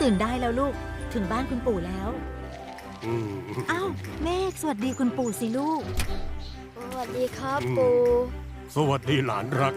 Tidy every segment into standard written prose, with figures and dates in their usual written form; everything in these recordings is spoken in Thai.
ตื่นได้แล้วลูกถึงบ้านคุณปู่แล้วอ้าวเมฆสวัสดีคุณปู่สิลูกสวัสดีครับปู่สวัสดีหลานรัก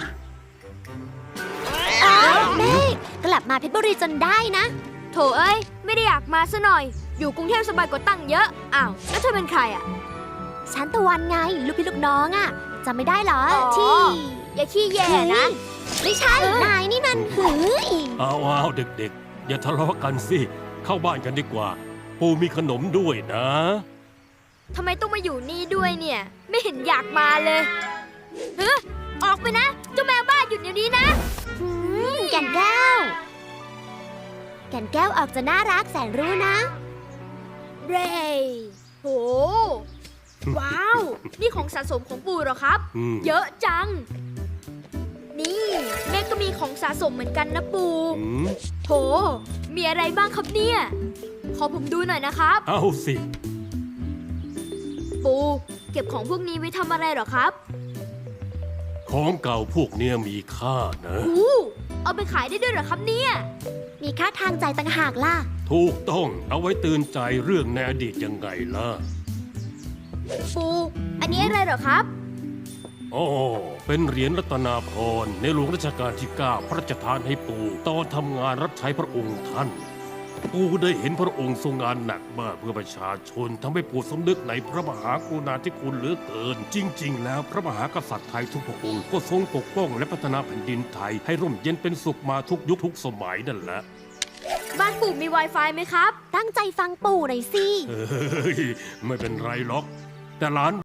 เมฆกลับมาเพชรบุรีจนได้นะโถเอ้ยไม่ได้อยากมาซะหน่อยอยู่กรุงเทพสบายกว่าตั้งเยอะอ้าวแล้วเธอเป็นใครอ่ะฉันตะวันไงลูกพี่ลูกน้องอ่ะจำไม่ได้เหรอที่อย่าขี้แย่นะไม่ใช่นายนี่มันหืยอ้าวเด็กๆอย่าทะเลาะกันสิเข้าบ้านกันดีกว่าปู่มีขนมด้วยนะทำไมต้องมาอยู่นี่ด้วยเนี่ยไม่เห็นอยากมาเลยออกไปนะเจ้าแมวบ้าหยุดเดี๋ยวนี้นะแก่นแก้วออกจะน่ารักแสนรู้นะเรย์โหว้าวนี่ของสะสมของปู่เหรอครับเยอะจังนี่แม่ก็มีของสะสมเหมือนกันนะปู่โหมีอะไรบ้างครับเนี่ยขอผมดูหน่อยนะครับเอาสิปู่เก็บของพวกนี้ไว้ทำอะไรเหรอครับของเก่าพวกเนี้ยมีค่านะเอาไปขายได้ด้วยเหรอครับเนี่ยมีค่าทางใจต่างหากล่ะถูกต้องเอาไว้เตือนใจเรื่องในอดีตยังไงล่ะปู่อันนี้อะไรเหรอครับอ๋อเป็นเหรียญรัตนาพรในหลวงรัชกาลที่ 9พระราชทานให้ปู่ตอนทำงานรับใช้พระองค์ท่านปู่ได้เห็นพระองค์ทรงงานหนักมากเพื่อประชาชนทำให้ปู่สำนึกในพระมหากรุณาธิคุณเหลือเกินจริงๆแล้วพระมหากษัตริย์ไทยทุกพระองค์ก็ทรงปกป้องและพัฒนาแผ่นดินไทยให้ร่มเย็นเป็นสุขมาทุกยุคทุกสมัยนั่นแหละบ้านปู่มี Wi-Fi ไหมครับตั้งใจฟังปู่หน่อยสิไม่เป็นไรหรอกแต่หลาน